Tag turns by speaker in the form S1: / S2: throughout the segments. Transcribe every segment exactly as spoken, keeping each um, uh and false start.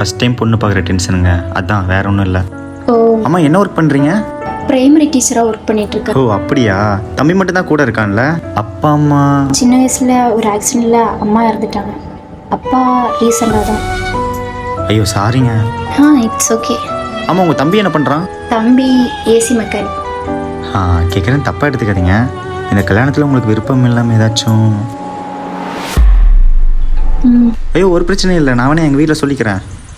S1: First time பொண்ணு பார்க்குற டென்ஷனுங்க, அதான் வேற ஒன்றும் இல்லை.
S2: ஓ,
S1: அம்மா என்ன ஒர்க் பண்ணுறீங்க?
S2: பிரைமரி டீச்சராக ஒர்க் பண்ணிட்டு இருக்கேன்.
S1: ஓ அப்படியா, தம்பி மட்டும் தான் கூட இருக்கான்ல, அப்பா அம்மா?
S2: சின்ன வயசுல ஒரு ஆக்சிடென்ட்ல அம்மா இறந்துட்டாங்க. அப்பா ரீசெண்டாக தான்.
S1: ஐயோ சாரிங்க.
S2: ஆ இட்ஸ் ஓகே.
S1: ஆமாம், உங்கள் தம்பி என்ன பண்ணுறான்?
S2: தம்பி ஏசி மெக்கானிக்.
S1: ஆ கேட்குறேன், தப்பாக எடுத்துக்காதீங்க. இந்த கல்யாணத்தில் உங்களுக்கு விருப்பம் இல்லாமல் ஏதாச்சும்?
S2: ம்
S1: ஐயோ ஒரு பிரச்சனையும் இல்லை, நான் வேணா எங்கள் வீட்டில் சொல்லிக்கிறேன்.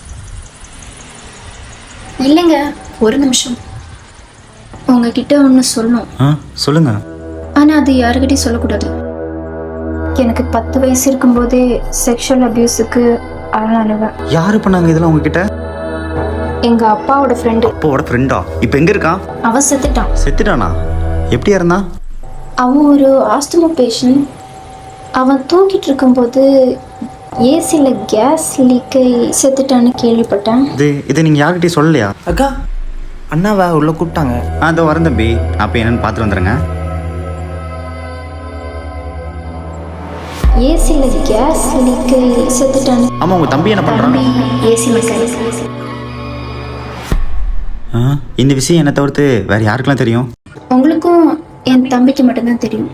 S2: இல்லைங்க, ஒரு நிமிஷம். உங்ககிட்ட ஒன்று சொல்லணும்.
S1: ஆ சொல்லுங்கள்.
S2: ஆனால் அது யாருக்கிட்டையும் சொல்லக்கூடாது. எனக்கு பத்து வயசு இருக்கும்போதே செக்ஷுவல் அபியூஸுக்கு ஆளானவன்.
S1: யார் பண்ணாங்க இதெல்லாம் உங்ககிட்ட?
S2: எங்கள் அப்பாவோட ஃப்ரெண்டு.
S1: அப்பாவோட ஃப்ரெண்டா? இப்போ எங்கே இருக்கான்?
S2: அவன் செத்துட்டான்.
S1: செத்துட்டானா? எப்படியா இருந்தான்?
S2: அவன் ஒரு ஆஸ்துமா பேஷண்ட். அவன் தூங்கிட்டு இருக்கும்போது ஏசியில் கேஸ் லீக்கை செத்துட்டான்னு கேள்விப்பட்டேன்.
S1: இது இதை நீங்கள் யார்கிட்டயும் சொல்லலையா?
S3: அக்கா, அண்ணாவா உள்ள கூப்பிட்டாங்க.
S1: ஆ அதோ வரேன் தம்பி, அப்போ என்னன்னு பார்த்துட்டு வந்துடுங்க.
S2: ஏசியில் கேஸ் லீக்கை செத்துட்டான்னு.
S1: ஆமாம், உங்கள் தம்பி என்ன பண்ணுறான்?
S2: தம்பி ஏசி மெக்கானிக்.
S1: ஆ இந்த விஷயம் என்னை தவிர்த்து வேறு யாருக்கெல்லாம் தெரியும்?
S2: உங்களுக்கும் என் தம்பிக்கு மட்டும்தான் தெரியும்.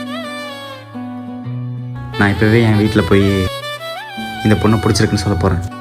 S1: நான் இப்போவே என் வீட்டில் போய் இந்த பொண்ணை பிடிச்சிருக்குன்னு சொல்ல போகிறேன்.